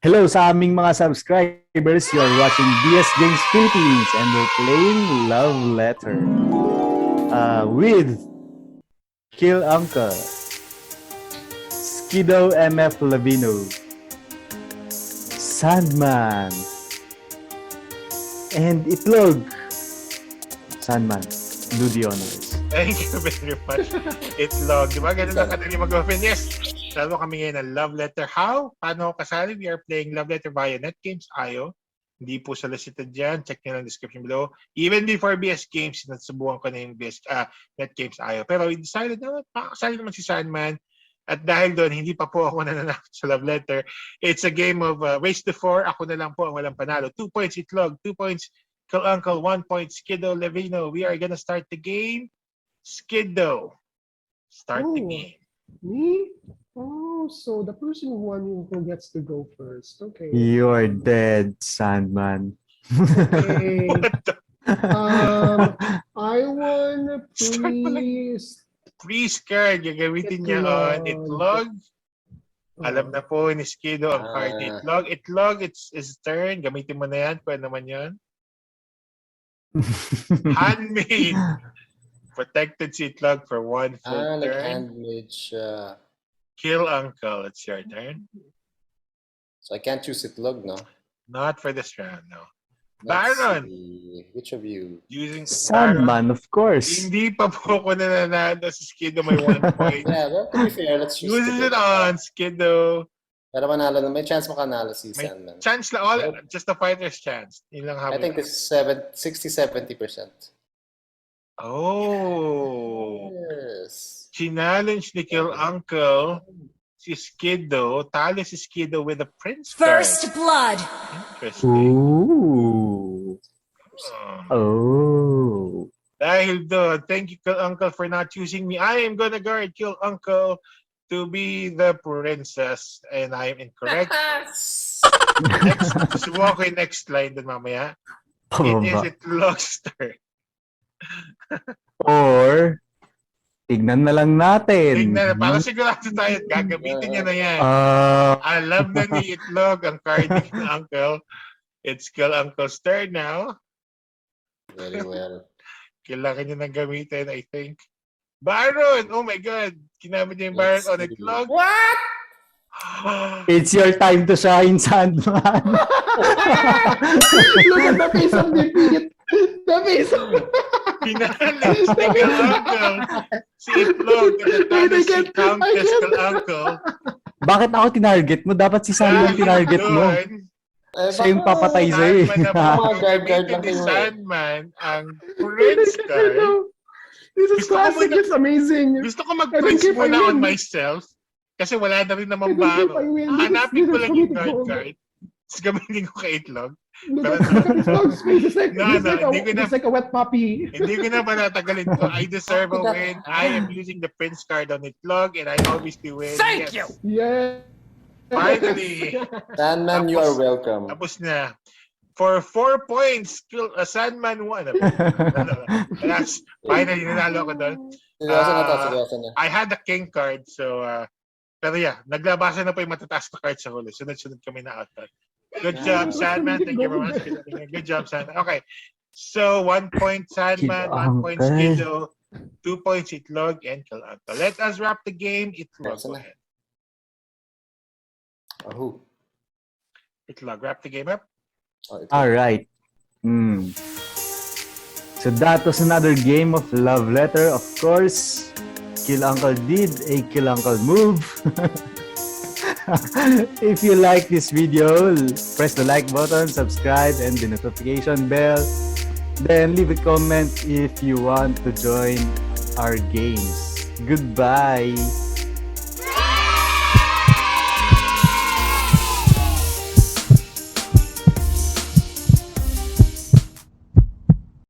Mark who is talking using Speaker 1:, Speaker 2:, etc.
Speaker 1: Hello sa aming mga subscribers. You are watching DS Games Philippines and we're playing Love Letter with Kill Uncle, Skido MF Lavino, Sandman, and Itlog. Sandman, do the honors.
Speaker 2: Thank you very much. Itlog. Di ba? Ganun lang kadali mag-open. Yes. Lalo kami ngayon ng Love Letter. How? Paano ako kasali? We are playing Love Letter via NetGames.io. Hindi po solicited dyan. Check nyo lang description below. Even before BS Games, nasubukan ko na yung NetGames.io. Pero we decided na makakasali naman si Sandman. At dahil doon, hindi pa po ako nananakot sa Love Letter. It's a game of race to 4. Ako na lang po ang walang panalo. 2 points Itlog, 2 points Kill Uncle, 1 point Skido Levino. We are gonna start the game. Skido, start the game.
Speaker 3: Me? Oh, so the person who gets to go first. Okay.
Speaker 1: You're dead, Sandman.
Speaker 3: Okay.
Speaker 2: What the?
Speaker 3: I wanna please.
Speaker 2: Please card, gagamitin niya on Itlog. Alam na po ni Skido ang card ni Itlog. Itlog, it's his turn. Gamitin mo na yan. Pwede naman yan. Handmade. Protected si Itlog for 1 full
Speaker 4: like
Speaker 2: turn.
Speaker 4: handmade.
Speaker 2: Kill Uncle, it's your turn.
Speaker 4: So I can't choose Itlog, no?
Speaker 2: Not for this round, no.
Speaker 4: Let's
Speaker 2: Baron!
Speaker 4: see. Which of you?
Speaker 2: Using
Speaker 1: Sandman, of course.
Speaker 2: Hindi pa po ako nananalo si Skido may 1 point.
Speaker 4: Yeah, well, to be fair, let's choose
Speaker 2: Uses it
Speaker 4: Itlog.
Speaker 2: on, Skido.
Speaker 4: Pero manalo na. May chance makanalo si
Speaker 2: May
Speaker 4: Sandman.
Speaker 2: chance lang, all, just the fighter's chance. Yun lang
Speaker 4: I think
Speaker 2: habang.
Speaker 4: this is 60-70%.
Speaker 2: Oh.
Speaker 4: Yes.
Speaker 2: Challenge ni Kill Uncle si Skido. Talo si Skido with a Prince
Speaker 5: First
Speaker 2: card.
Speaker 5: blood.
Speaker 2: Interesting.
Speaker 1: Ooh. Oh.
Speaker 2: Dahil doon, thank you Kill Uncle for not choosing me. I am gonna guard Kill Uncle to be the princess and I am incorrect. Next, subukan ko yung next line dun mamaya. It is Itlog's turn.
Speaker 1: Or, tignan na lang natin.
Speaker 2: Tingnan, para sigurado tayo, gagamitin niya na yan. Alam na ni Itlog ang card ni Kill Uncle. It's Kill Uncle's turn now.
Speaker 4: Very well.
Speaker 2: Kailangan niya nang gamitin, I think. Baron! Oh my God! Kinamit niya yung Baron on Itlog.
Speaker 4: What?
Speaker 1: It's your time to shine, Sandman.
Speaker 3: Look at the face of defeat. The face of
Speaker 2: Pinalis ni Kill Uncle. Si Itlog. Natalo si Countess Kill Uncle.
Speaker 1: Bakit ako tinarget mo? Dapat si Sandman tinarget mo. Siya yung papatay sa'yo.
Speaker 2: Sandman na po. Gamitin ni Sandman ang Prince card.
Speaker 3: This is
Speaker 2: Gusto ko
Speaker 3: classic.
Speaker 2: muna-
Speaker 3: It's amazing.
Speaker 2: Gusto ko mag-Prince
Speaker 3: I
Speaker 2: muna on
Speaker 3: win.
Speaker 2: myself. Kasi wala na rin naman
Speaker 3: I
Speaker 2: baro.
Speaker 3: win.
Speaker 2: Hanapin ko
Speaker 3: This is
Speaker 2: lang yung
Speaker 3: so
Speaker 2: guard
Speaker 3: good.
Speaker 2: card. Tapos gamitin ko kay Itlog.
Speaker 3: Look at Itlog's face. It's like,
Speaker 2: No, hindi ko na-
Speaker 3: it's like a wet puppy.
Speaker 2: Hindi ko na panatagalin ko. I deserve a win. I am using the Prince card on Itlog and I obviously win.
Speaker 5: Thank
Speaker 2: Yes.
Speaker 5: you.
Speaker 3: Yeah.
Speaker 2: Finally.
Speaker 4: Sandman, you are welcome.
Speaker 2: Tapos na. For 4 points, Sandman won. Alas, finally, nanalo ako doon.
Speaker 4: Seryoso na.
Speaker 2: I had the king card, so, pero yeah, naglabasan na po yung matataas na card sa huli. Sunod-sunod kami na out. Good job, Sandman. Thank you very much. Good job, Sandman. Okay. So, 1 point Sandman, 1 point Skido, 2 points Itlog, and Kill Uncle. Let us wrap the game. Itlog, go ahead.
Speaker 4: Who?
Speaker 2: Itlog, wrap the game up.
Speaker 1: All right. So that was another game of Love Letter. Of course, Kill Uncle did a Kill Uncle move. If you like this video, press the like button, subscribe, and the notification bell. Then leave a comment if you want to join our games. Goodbye.